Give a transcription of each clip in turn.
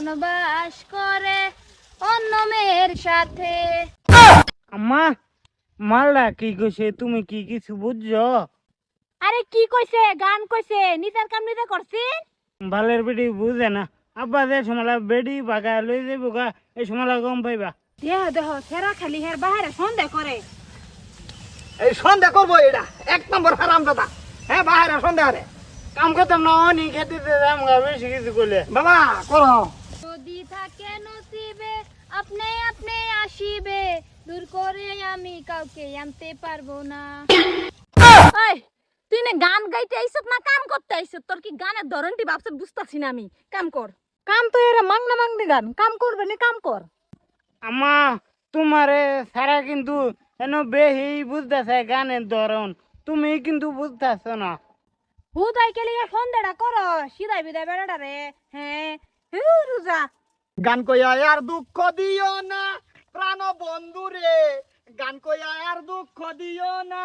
এখন বাস করে অন্য মেয়ের সাথে। আম্মা মালটা কি কইছে তুমি কি কিছু বুঝছো? আরে কি কইছে? গান কইছে, নিজের কাম নিজে করছিস। বালের বেটি বুঝে না। আব্বা যে সময় বেডি বাগা লই যাইব গা এই সময় গম পাইবা। দেহ দেহ সেরা খালি হের বাহিরে সন্দেহ করে। এই সন্ধ্যা করবো এটা ১ নম্বর হারাম দাদা। হ্যাঁ বাইরে সন্ধ্যা রে কাম করতাম না অনি খেতে যাম গা বেশি কিছু করলে। বাবা করো। যদি থাকে নসিবে আপনি আপনি আসিবে, দূর করে আমি কাউকে আনতে পারবো না। এই তুই না গান গাইতে আইছত না কাম করতে আইছত? তোর কি গানের ধরনটি ভাবছ বুঝতাছি না আমি। কাম কর। কাম তো এরা মাংনা মাংনি গান। কাম করবে না কাম কর। আম্মা তোমারে সারা কিন্তু এন বেহি বুঝতেছে গানের ধরন, তুমি কিন্তু বুঝতেছ না। হুদাই কেলি সন্দেহটা করো, সিধাই বিদায় বেড়াটা রে। হ্যাঁ রোজা গান কইয়া আর দুঃখ দিও না প্রাণ বন্ধু রে, গান কইয়া আর দুঃখ দিও না।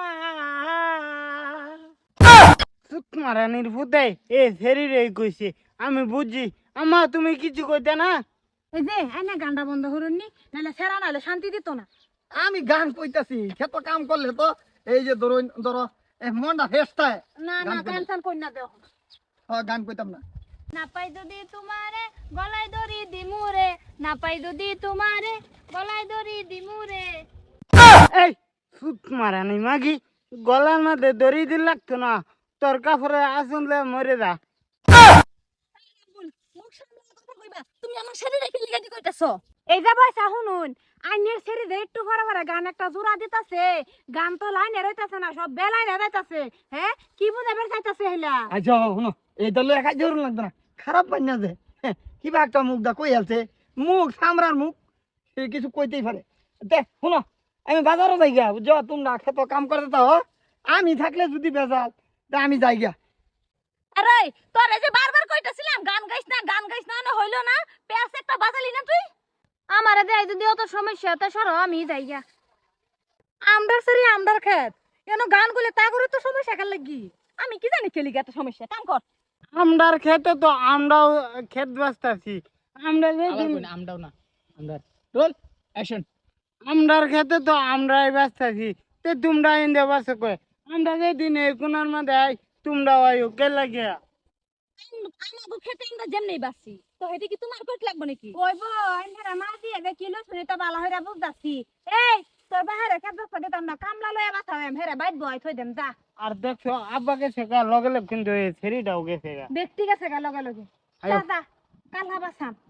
চুপ মারানির ফুটাই এ শরীরে কইছে আমি বুঝছি। আম্মা তুমি কিছু কইতে না। এই যে আইনা গানটা বন্ধ করুননি, নাহলে সেরা নাহলে শান্তি দিত না। আমি গান কইতাছি ক্ষেত কাম করলে তো এই যে ধরো মনটা ফেসটায় না না টেনশন কই না দেও। গান কইতাম না। না পাই যদি তোমারে গলায় দড়ি দিমুরে, না পাই যদি তোমারে গলায় দড়ি দিমুরে। এই চুপ মারানি মাগি গলার মধ্যে দড়ি দিল লাগতো না, তোর কাপড়ে আসলে মরে যা। মুখ সামনে কথা কইবা। তুমি আমার শরীরে কি লিগাটি কইতাছ? এই যে বয়সা শুনুন, আইনের সেরি যে একটু পরে পরে গান একটা জোড়া দিতাছে, গান তো লাইনে রইতাছে না, সব বেলাইনে যাইতাছে। হ্যাঁ কি বুঝাবে চাইতাছে হেলা? আচ্ছা শুনো এই দলে একাই জরুর লাগতো না, খারাপ পাই না যে কিবা একটা মুখ দা কই আলছে, মুখ সামরার মুখ সে কিছু কইতেই পারে। দে শুনো আমি বাজারও যাই গা, বুঝছো তোমরা ক্ষেত কাম করতে তো আমি থাকলে যদি বেজাল তা আমি যাই গা। আরে তোরে যে বারবার কইতাছিলাম গান গাইছ না না হইলো না। পেঁয়াজ একটা বাজালি না তুই? আমারে দেয় যদি অত সমস্যা, তা সরো আমি যাই গা। আমদার সরি আমদার খেত কেন গান গুলে তা করে তো সমস্যা কার লাগি? আমি কি জানি খেলি এত সমস্যা। কাম কর। আমরার খেতে তো আমরাও খেত বাঁচতাছি। আমরা আমরাও না আমরার রোল অ্যাকশন। আমরার খেতে তো আমরাই বাঁচতাছি, তে তোমরা ইন্দে বাঁচো কয়। আমরা যেদিন এই কোনার মধ্যে আই তোমরা আইও কে লাগে। আমাগো খেতে আমরা যেমনি বাসি তো হেটি কি তোমার কইত লাগবে নাকি? কইব আইনরা মা দিয়ে দে কিলো শুনি তো ভালো হইরা বুঝতাছি। এই তোর বাহিরে খেতে দিতাম না, কামলা লইয়া বাঁচাম হেরে বাইত বয় থই দেম যা। আর দেখছো আব্বাকে শেখা লগে লগে কিন্তু এই ছেড়িটাও গেছে গা। ব্যক্তি গেছে গা লগে লগে। আয়ো। যা যা কাল হাবাসাম।